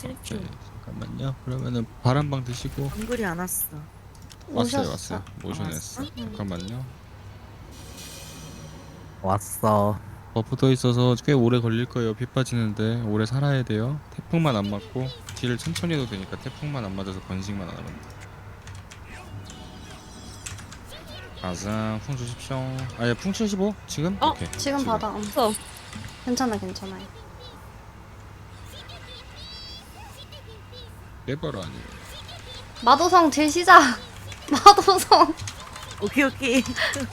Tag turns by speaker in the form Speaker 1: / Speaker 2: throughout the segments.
Speaker 1: 7초.
Speaker 2: 오케이, 잠깐만요. 그러면은 바람방 드시고.
Speaker 1: 정글이 안 왔어.
Speaker 2: 왔어요
Speaker 3: 오셨어.
Speaker 2: 왔어요. 모션했어.
Speaker 1: 왔어?
Speaker 2: 잠깐만요.
Speaker 4: 왔어.
Speaker 2: 버프 더 있어서 꽤 오래 걸릴 거예요. 피 빠지는데 오래 살아야 돼요. 태풍만 안 맞고 딜을 천천히 해도 되니까 태풍만 안 맞아서 번식만 안 하면 돼. 가자. 풍 주십시오. 아예 풍 75? 지금?
Speaker 1: 어?
Speaker 2: 오케이.
Speaker 3: 지금 받아.
Speaker 1: 없어.
Speaker 3: 괜찮아, 괜찮아요.
Speaker 2: 깨버려 아니에요.
Speaker 3: 마도성 딜 시작. 마도성.
Speaker 1: 오케이 오케이.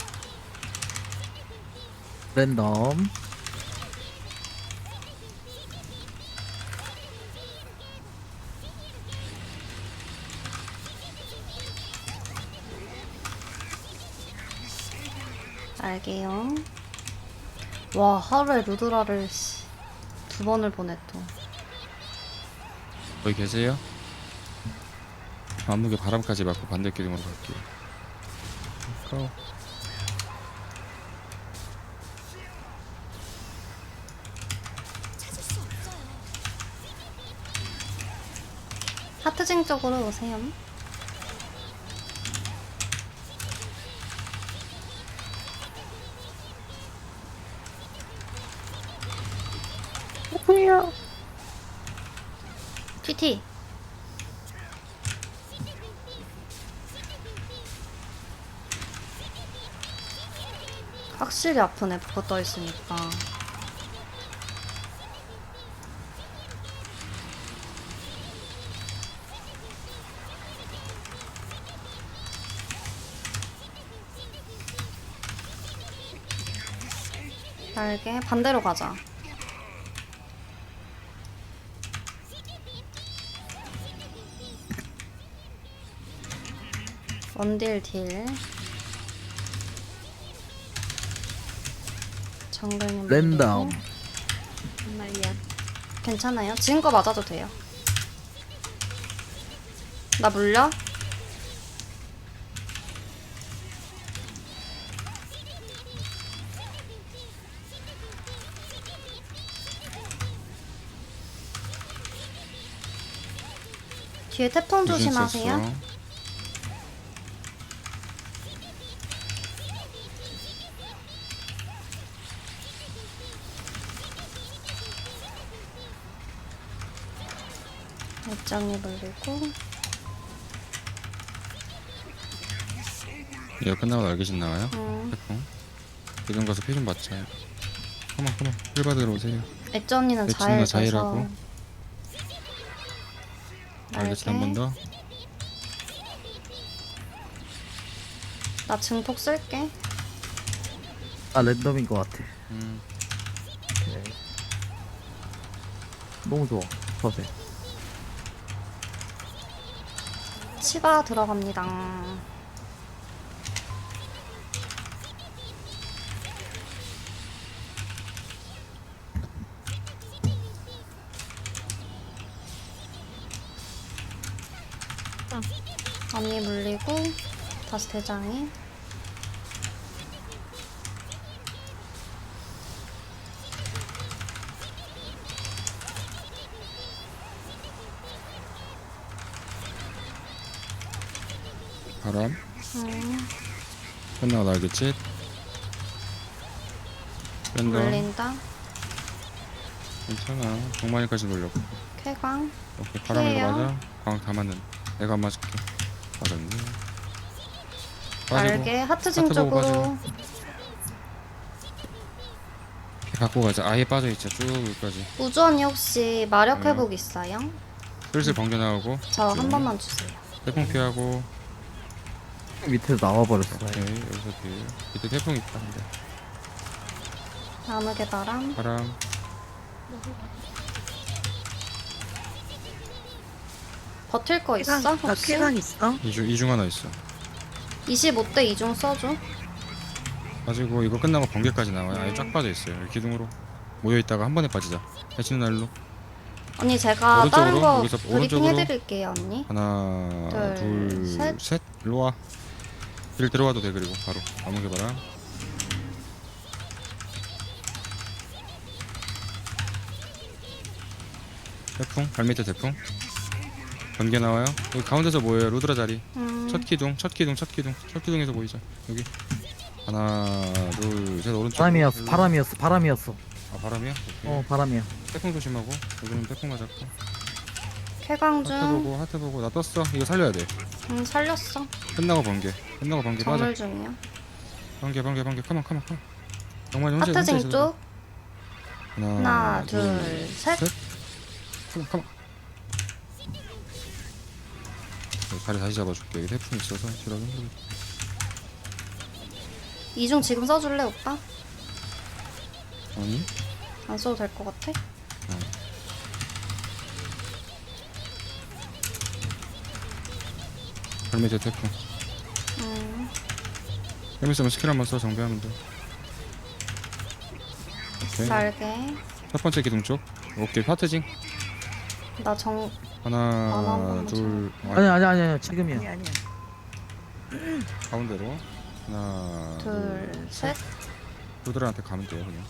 Speaker 4: 랜덤.
Speaker 3: 알게요. 와, 하루에 루드라를 2번을 보내 또.
Speaker 2: 거기 계세요? 암흑의 바람까지 맞고 반대 기둥으로 갈게요. 고.
Speaker 3: 하트징 쪽으로 오세요.
Speaker 1: 뭐야?
Speaker 3: TT. 확실히 아프네, 버프 떠 있으니까. 날개 반대로 가자. 원딜 딜. 정글님
Speaker 4: 랜덤.
Speaker 3: 물리고.
Speaker 1: 정말이야.
Speaker 3: 괜찮아요. 지금 거 맞아도 돼요. 나 물려? 뒤에 태풍 조심하세요.
Speaker 2: 썼어.
Speaker 3: 일정이 물리고.
Speaker 2: 이거 끝나고 날개신 나와요?
Speaker 3: 음.
Speaker 2: 태풍. 기둥 가서 피 좀 받자. 그만 힐 받으러 오세요.
Speaker 3: 액자 언니는
Speaker 2: 액자
Speaker 3: 자일
Speaker 2: 자일하고.
Speaker 3: 돼서.
Speaker 2: 날개신 한 번 더.
Speaker 3: 나 증폭 쓸게.
Speaker 4: 아 랜덤인 것 같아. 오케이. 너무 좋아. 서세.
Speaker 3: 치바 들어갑니다. 언니 물리고 다시 대장이.
Speaker 2: 바람.
Speaker 3: 음,
Speaker 2: 끝나고 날개짓. 뺀다.
Speaker 3: 물린다.
Speaker 2: 괜찮아. 정만이까지 돌려고.
Speaker 3: 쾌광.
Speaker 2: 오케이. 바람으로
Speaker 3: 피해요.
Speaker 2: 맞아. 광 다 맞는. 내가 안 맞을게. 맞았네. 빠지고.
Speaker 3: 날개 하트징
Speaker 2: 하트 보고
Speaker 3: 쪽으로.
Speaker 2: 피 갖고 가자. 아예 빠져있자. 쭉 여기까지.
Speaker 3: 우주 언니 혹시 마력
Speaker 2: 네.
Speaker 3: 회복 있어요?
Speaker 2: 슬슬 번개 나오고.
Speaker 3: 저 한
Speaker 2: 쭉.
Speaker 3: 번만 주세요.
Speaker 2: 태풍 피하고.
Speaker 4: 밑에서 나와버렸어.
Speaker 2: 오케이. 여기서 딜. 밑에 태풍 있다. 근데.
Speaker 3: 암흑의 바람.
Speaker 2: 바람.
Speaker 3: 버틸 거 있어?
Speaker 1: 나
Speaker 3: 혹시?
Speaker 1: 쾌강 있어?
Speaker 2: 이중 하나 있어.
Speaker 3: 25대 2중 써줘.
Speaker 2: 가지고 이거 끝나고 번개까지 나와요. 아예 쫙 빠져 있어요. 여기 기둥으로 모여 있다가 한 번에 빠지자. 해치는 날로.
Speaker 3: 언니 제가 다른
Speaker 2: 오른쪽으로,
Speaker 3: 거
Speaker 2: 여기서
Speaker 3: 브리핑
Speaker 2: 오른쪽으로.
Speaker 3: 해드릴게요 언니.
Speaker 2: 하나,
Speaker 3: 둘,
Speaker 2: 둘,
Speaker 3: 셋.
Speaker 2: 셋. 일로 와. 길 들어와도 돼. 그리고 바로 아무개 바람. 태풍 발밑에 태풍. 번개 나와요. 여기 가운데서 모여요. 루드라 자리. 첫 기둥에서 모이자. 여기 하나 둘 셋 오른쪽.
Speaker 4: 바람이었어.
Speaker 2: 아 바람이야? 오케이.
Speaker 4: 바람이야.
Speaker 2: 태풍 조심하고. 여기는 태풍 맞았고.
Speaker 3: 쾌강
Speaker 2: 하트
Speaker 3: 중.
Speaker 2: 보고 하트 보고 나 떴어. 이거 살려야 돼.
Speaker 3: 살렸어.
Speaker 2: 끝나고 번개 빠져.
Speaker 3: 정물 중이야.
Speaker 2: 번개 컴온. 영만이 혼자
Speaker 3: 하트징
Speaker 2: 있어도
Speaker 3: 쪽.
Speaker 2: 돼.
Speaker 3: 하나, 둘, 셋.
Speaker 2: 컴온. 자리 다시 잡아줄게. 여기 태풍 있어서 지라고 힘들어.
Speaker 3: 이중 지금 써줄래 오빠?
Speaker 2: 아니?
Speaker 3: 안 써도 될 것 같아?
Speaker 2: 발밑에 태풍. 재밌으면 스킬 한번 써. 정비하면 돼. 오케이.
Speaker 3: 날개.
Speaker 2: 첫 번째 기둥 쪽. 오케이. 하트징.
Speaker 3: 나 정.
Speaker 2: 하나 둘.
Speaker 4: 아니야. 지금이야.
Speaker 1: 아니야.
Speaker 2: 가운데로. 하나
Speaker 3: 둘, 셋.
Speaker 2: 루드라한테 가면 돼요 그냥.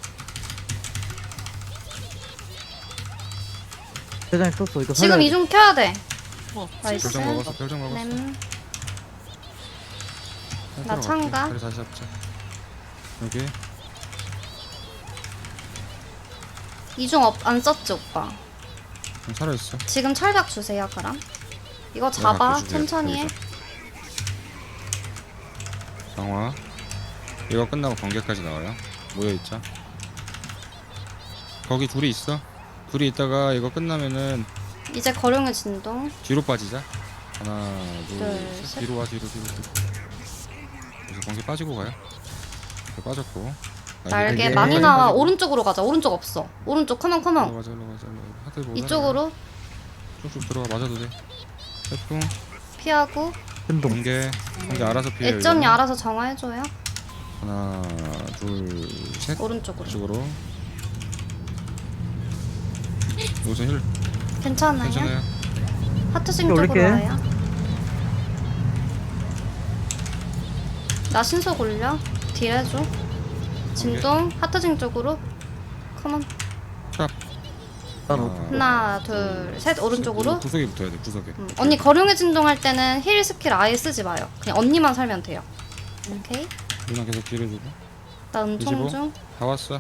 Speaker 4: 대장이 썼어. 이거
Speaker 3: 지금
Speaker 4: 살려야 돼.
Speaker 3: 이중 켜야 돼. 나이스.
Speaker 2: 별정 먹었어. 별정 먹었어.
Speaker 3: 램.
Speaker 2: 나
Speaker 3: 참가.
Speaker 2: 자리 다시 잡자. 여기.
Speaker 3: 이중 안 썼지 오빠.
Speaker 2: 살아 있어.
Speaker 3: 지금 철벽 주세요 그럼. 이거 잡아 천천히 해.
Speaker 2: 강화. 이거 끝나고 번개까지 나와요. 모여 있자. 거기 둘이 있어. 둘이 있다가 이거 끝나면은
Speaker 3: 이제 거룡의 진동.
Speaker 2: 뒤로 빠지자. 하나, 둘,
Speaker 3: 둘,
Speaker 2: 셋.
Speaker 3: 셋.
Speaker 2: 뒤로 와, 뒤로. 그래서 번개 빠지고 가요. 빠졌고.
Speaker 3: 날개 많이 나와. 오른쪽으로 가자. 오른쪽 없어. 오른쪽 컴온.
Speaker 2: 일로 가자. 하트 보자.
Speaker 3: 이쪽으로
Speaker 2: 쭉쭉 들어가. 맞아도 돼. 태풍,
Speaker 3: 피하고.
Speaker 4: 흔동.
Speaker 2: 번개 알아서 피해.
Speaker 3: 애전이 알아서 정화해줘요.
Speaker 2: 하나, 둘, 셋.
Speaker 3: 오른쪽으로.
Speaker 2: 이쪽으로. 우선 힐.
Speaker 3: 괜찮아요?
Speaker 2: 괜찮아요.
Speaker 3: 하트싱
Speaker 4: 이거
Speaker 3: 쪽으로
Speaker 4: 올릴게.
Speaker 3: 와요. 나 신속 올려. 딜 해줘. 진동. 하트싱 쪽으로. 컴온.
Speaker 2: 샵.
Speaker 3: 하나, 둘, 셋. 오른쪽으로.
Speaker 2: 구석에 붙어야 돼. 구석에.
Speaker 3: 언니 거룡의 진동 할 때는 힐 스킬 아예 쓰지 마요. 그냥 언니만 살면 돼요. 오케이.
Speaker 2: 누나 계속 딜해주고.
Speaker 3: 나 은총
Speaker 2: 25?
Speaker 3: 중.
Speaker 2: 다 왔어.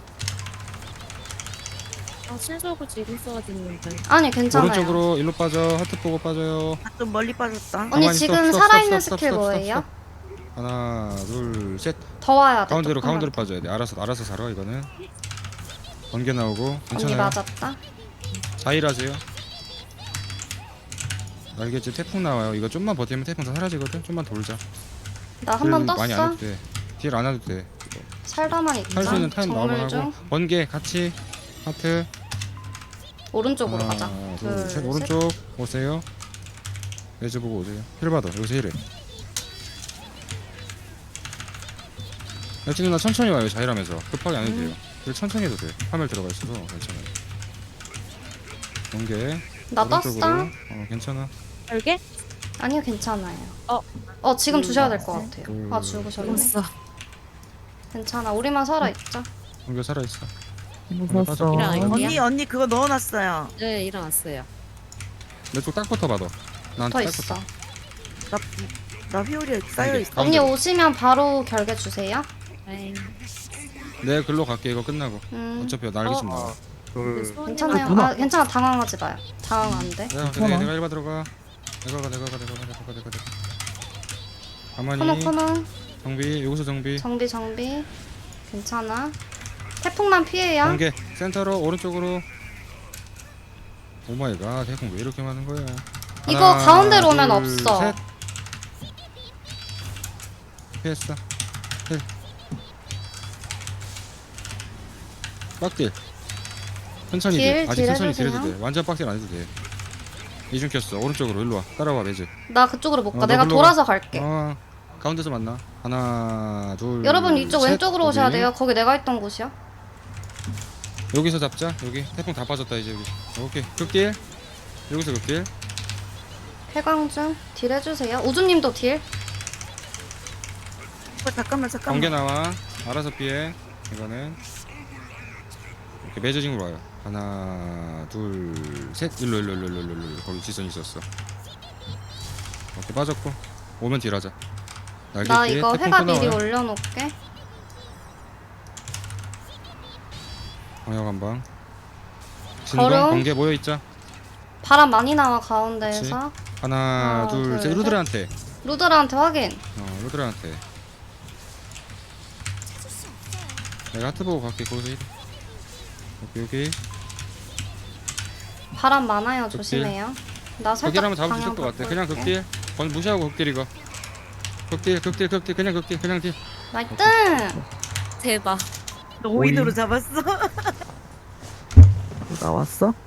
Speaker 1: 신속을 지금 써야겠는데.
Speaker 3: 아니 괜찮아요.
Speaker 2: 오른쪽으로 일로 빠져. 하트 보고 빠져요.
Speaker 1: 아, 좀 멀리 빠졌다.
Speaker 3: 언니
Speaker 2: 가만히
Speaker 3: 지금
Speaker 2: 스톱,
Speaker 3: 살아있는
Speaker 2: 스톱,
Speaker 3: 스킬
Speaker 2: 스톱,
Speaker 3: 뭐예요?
Speaker 2: 하나, 둘, 셋.
Speaker 3: 더 와야 돼.
Speaker 2: 가운데로
Speaker 3: 조금만
Speaker 2: 가운데로
Speaker 3: 더.
Speaker 2: 빠져야 돼. 알아서 살아 이거는. 번개 나오고.
Speaker 3: 언니
Speaker 2: 괜찮아요.
Speaker 3: 맞았다.
Speaker 2: 자일하세요. 알겠지? 태풍 나와요. 이거 좀만 버티면 태풍 다 사라지거든. 좀만 돌자.
Speaker 3: 나 한 번
Speaker 2: 딜 많이 안
Speaker 3: 떴어.
Speaker 2: 해도 돼. 딜 안 해도 돼.
Speaker 3: 살다만 있자.
Speaker 2: 할 수 있는 타임 나오면
Speaker 3: 정물 중.
Speaker 2: 하고. 번개 같이. 하트.
Speaker 3: 오른쪽으로
Speaker 2: 하나,
Speaker 3: 가자.
Speaker 2: 둘,
Speaker 3: 둘,
Speaker 2: 셋.
Speaker 3: 셋.
Speaker 2: 오른쪽 오세요. 레즈 보고 오세요. 힐 받아. 여기서 힐해. 여친 누나 천천히 와요. 자일하면서 급하게 안 해도 돼요. 딜 천천히 해도 돼. 화면 들어가 있어서 괜찮아요. 번개.
Speaker 3: 나
Speaker 2: 오른쪽으로.
Speaker 3: 떴어.
Speaker 2: 괜찮아.
Speaker 1: 별개?
Speaker 3: 아니요 괜찮아요.
Speaker 1: 어.
Speaker 3: 지금 주셔야 될 것 같아요.
Speaker 2: 둘,
Speaker 3: 아 죽으셨네.
Speaker 1: 죽었어.
Speaker 3: 괜찮아. 우리만 살아 있자.
Speaker 2: 번개 살아 있어.
Speaker 4: 무섭어.
Speaker 1: 일어나, 언니 그거 넣어놨어요. 네, 일어났어요.
Speaker 2: 내 쪽 딱 붙어 봐도. 나한테
Speaker 3: 더
Speaker 2: 딱
Speaker 3: 있어.
Speaker 2: 붙어.
Speaker 1: 나 휘오리에 쌓여 있어.
Speaker 3: 언니
Speaker 2: 가운데로.
Speaker 3: 오시면 바로 결계 주세요.
Speaker 1: 네.
Speaker 2: 내 글로 갈게. 이거 끝나고. 어차피 날개 좀 나와.
Speaker 3: 괜찮아요.
Speaker 4: 누나.
Speaker 3: 괜찮아. 당황하지 마요. 당황 안 돼.
Speaker 2: 내가 일바 들어가. 내가 가. 가만히.
Speaker 3: 커먼.
Speaker 2: 정비. 여기서 정비.
Speaker 3: 정비. 괜찮아. 태풍만 피해요.
Speaker 2: 번개. 센터로 오른쪽으로. 오마이갓. 태풍 왜 이렇게 많은 거야?
Speaker 3: 이거
Speaker 2: 하나,
Speaker 3: 가운데로 오면
Speaker 2: 둘,
Speaker 3: 없어.
Speaker 2: 셋. 피했어. 힐. 빡딜. 천천히 돼. 아직
Speaker 3: 딜
Speaker 2: 천천히
Speaker 3: 해주세요.
Speaker 2: 딜해도 돼. 완전 빡딜 안 해도 돼. 이중 켰어. 오른쪽으로 일로 와. 따라와 매즈.
Speaker 3: 나 그쪽으로 못 가.
Speaker 2: 너
Speaker 3: 내가
Speaker 2: 글로
Speaker 3: 돌아서 갈게.
Speaker 2: 가운데서 만나. 하나, 둘.
Speaker 3: 여러분 이쪽
Speaker 2: 셋.
Speaker 3: 왼쪽으로 오셔야
Speaker 2: 거기.
Speaker 3: 돼요. 거기 내가 있던 곳이야.
Speaker 2: 여기서 잡자. 여기 태풍 다 빠졌다 이제 여기. 오케이. 극딜. 여기서 극딜.
Speaker 3: 폐광중 딜 해주세요. 우주님도 딜.
Speaker 1: 잠깐만.
Speaker 2: 번개 나와. 알아서 피해. 이거는 이렇게 매저징으로 와요. 하나 둘셋 일로 거기 지선 있었어. 오케이 빠졌고 오면 딜하자. 날개
Speaker 3: 나
Speaker 2: 뒤에
Speaker 3: 이거
Speaker 2: 태풍
Speaker 3: 회가
Speaker 2: 또
Speaker 3: 미리
Speaker 2: 나와요.
Speaker 3: 올려놓을게.
Speaker 2: 광역 한방. 진동
Speaker 3: 걸음.
Speaker 2: 번개 모여 있자.
Speaker 3: 바람 많이 나와 가운데에서.
Speaker 2: 하나
Speaker 3: 둘,
Speaker 2: 둘셋
Speaker 3: 셋.
Speaker 2: 루드라한테.
Speaker 3: 루드라한테 확인.
Speaker 2: 루드라한테. 내가 하트 보고 갈게. 거기서 힐. 여기
Speaker 3: 바람 많아요.
Speaker 2: 극딜.
Speaker 3: 조심해요. 나
Speaker 2: 극딜
Speaker 3: 살짝
Speaker 2: 하면 잡을 수 있을
Speaker 3: 방향
Speaker 2: 것 같아. 그냥
Speaker 3: 바꿀게.
Speaker 2: 극딜. 건 무시하고 극딜 이거. 극딜 그냥 극딜 그냥 딜.
Speaker 3: 나이스.
Speaker 1: 대박. 너 5인으로
Speaker 4: 오인?
Speaker 1: 잡았어?
Speaker 4: 나왔어?